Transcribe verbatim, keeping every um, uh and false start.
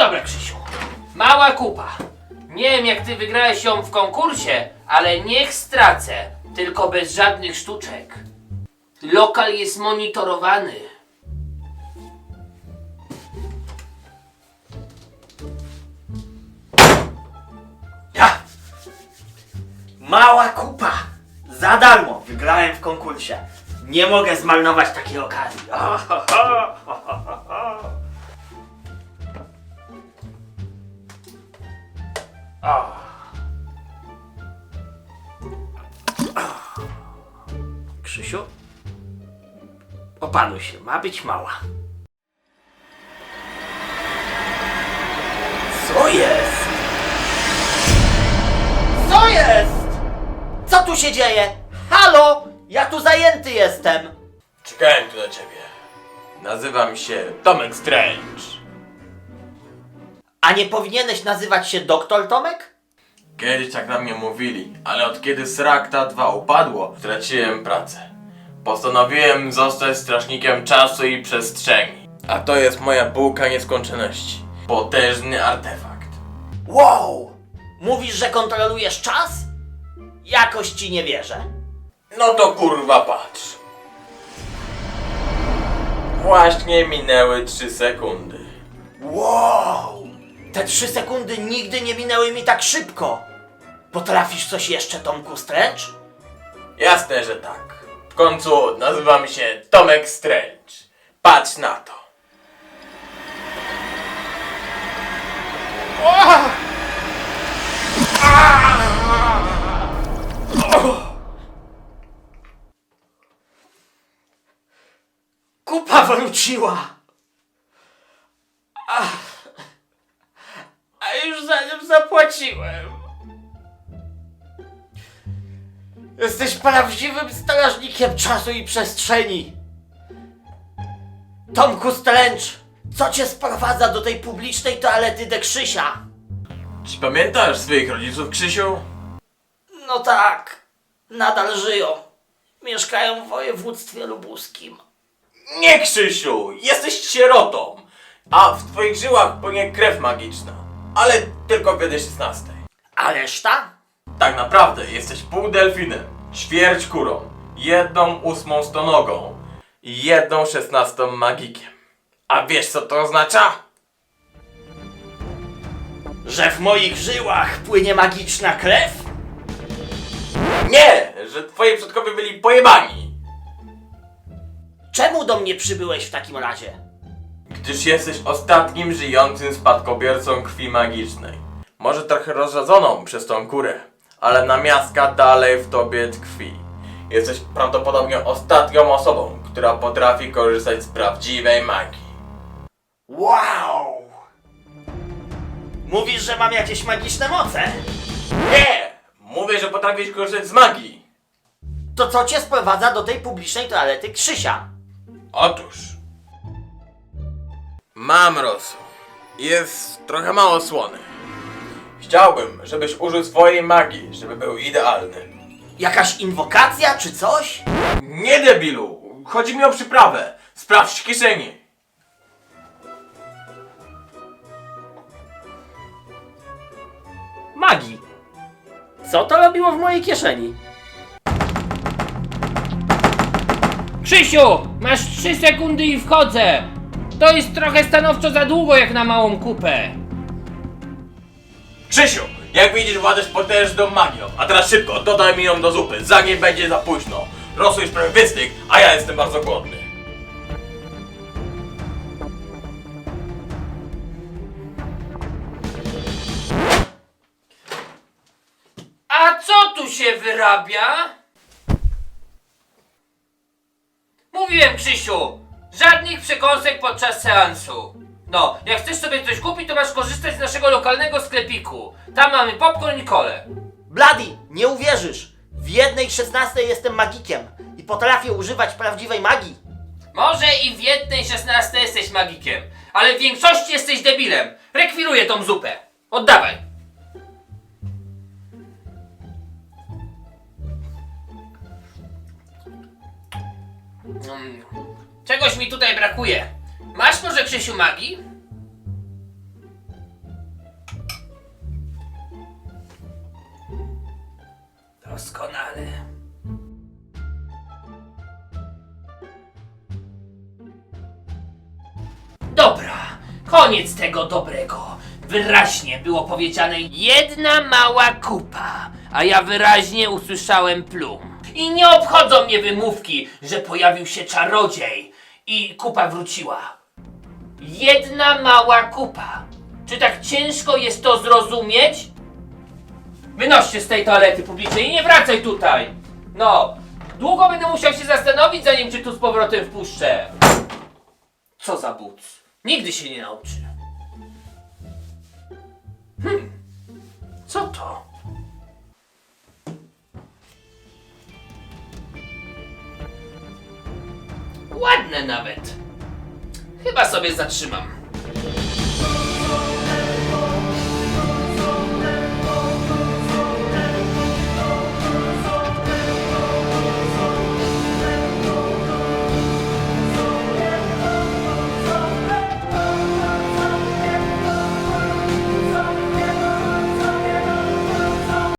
dobra, Krzysiu. Mała kupa. Nie wiem, jak ty wygrałeś ją w konkursie, ale niech stracę. Tylko bez żadnych sztuczek. Lokal jest monitorowany. Ja! Mała kupa! Za darmo wygrałem w konkursie. Nie mogę zmarnować takiej okazji. O, ho, ho, ho, ho, ho. O. Krzysiu? Opanuj się, ma być mała. Co jest? Co jest? Co tu się dzieje? Halo? Ja tu zajęty jestem. Czekałem tu na ciebie. Nazywam się Tomek Strange. A nie powinieneś nazywać się doktor Tomek? Kiedyś tak na mnie mówili, ale od kiedy Srakta dwa upadło, straciłem pracę. Postanowiłem zostać strażnikiem czasu i przestrzeni. A to jest moja bułka nieskończoności. Potężny artefakt. Wow! Mówisz, że kontrolujesz czas? Jakoś ci nie wierzę. No to kurwa patrz. Właśnie minęły trzy sekundy. Wow! Te trzy sekundy nigdy nie minęły mi tak szybko. Potrafisz coś jeszcze, Tomku Strange? Jasne, że tak. W końcu nazywam się Tomek Strange. Patrz na to. Kupa wróciła! Ach. A już za nią zapłaciłem. Jesteś prawdziwym strażnikiem czasu i przestrzeni. Tomku Strange, co cię sprowadza do tej publicznej toalety de Krzysia? Czy pamiętasz swoich rodziców, Krzysiu? No tak, nadal żyją. Mieszkają w województwie lubuskim. Nie, Krzysiu! Jesteś sierotą! A w twoich żyłach płynie krew magiczna. Ale tylko w jednej szesnastej. A reszta? Tak naprawdę jesteś pół delfinem, ćwierć kurą, jedną ósmą stonogą i jedną szesnastą magikiem. A wiesz co to oznacza? Że w moich żyłach płynie magiczna krew? Nie! Że twoi przodkowie byli pojebani! Czemu do mnie przybyłeś w takim razie? Gdyż jesteś ostatnim żyjącym spadkobiercą krwi magicznej. Może trochę rozrzadzoną przez tą kurę, ale namiastka dalej w tobie tkwi. Jesteś prawdopodobnie ostatnią osobą, która potrafi korzystać z prawdziwej magii. Wow! Mówisz, że mam jakieś magiczne moce? Nie! Mówię, że potrafisz korzystać z magii. To co cię sprowadza do tej publicznej toalety Krzysia? Otóż... Mam rosół. Jest trochę mało słony. Chciałbym, żebyś użył swojej magii, żeby był idealny. Jakaś inwokacja czy coś? Nie, debilu! Chodzi mi o przyprawę. Sprawdź w kieszeni. Magii. Co to robiło w mojej kieszeni? Krzysiu, masz trzy sekundy i wchodzę. To jest trochę stanowczo za długo jak na małą kupę. Krzysiu, jak widzisz, władasz potężną magią. A teraz szybko, dodaj mi ją do zupy, zanim będzie za późno. Rosół już prawie wystygł, a ja jestem bardzo głodny. A co tu się wyrabia? Mówiłem, Krzysiu, żadnych przekąsek podczas seansu. No, jak chcesz sobie coś kupić, to masz korzystać z naszego lokalnego sklepiku. Tam mamy popcorn i kolę. Bloody, nie uwierzysz. W jednej szesnastej jestem magikiem i potrafię używać prawdziwej magii. Może i w jednej szesnastej jesteś magikiem, ale w większości jesteś debilem. Rekwiruję tą zupę. Oddawaj. Mm. Czegoś mi tutaj brakuje. Masz może, Krzysiu, magii? Doskonale. Dobra, koniec tego dobrego. Wyraźnie było powiedziane jedna mała kupa, a ja wyraźnie usłyszałem plum. I nie obchodzą mnie wymówki, że pojawił się czarodziej i kupa wróciła. Jedna mała kupa. Czy tak ciężko jest to zrozumieć? Wynoście z tej toalety publicznej i nie wracaj tutaj! No, długo będę musiał się zastanowić, zanim cię tu z powrotem wpuszczę. Co za but? Nigdy się nie nauczy. Hmm, co to? Ładne nawet. Chyba sobie zatrzymam.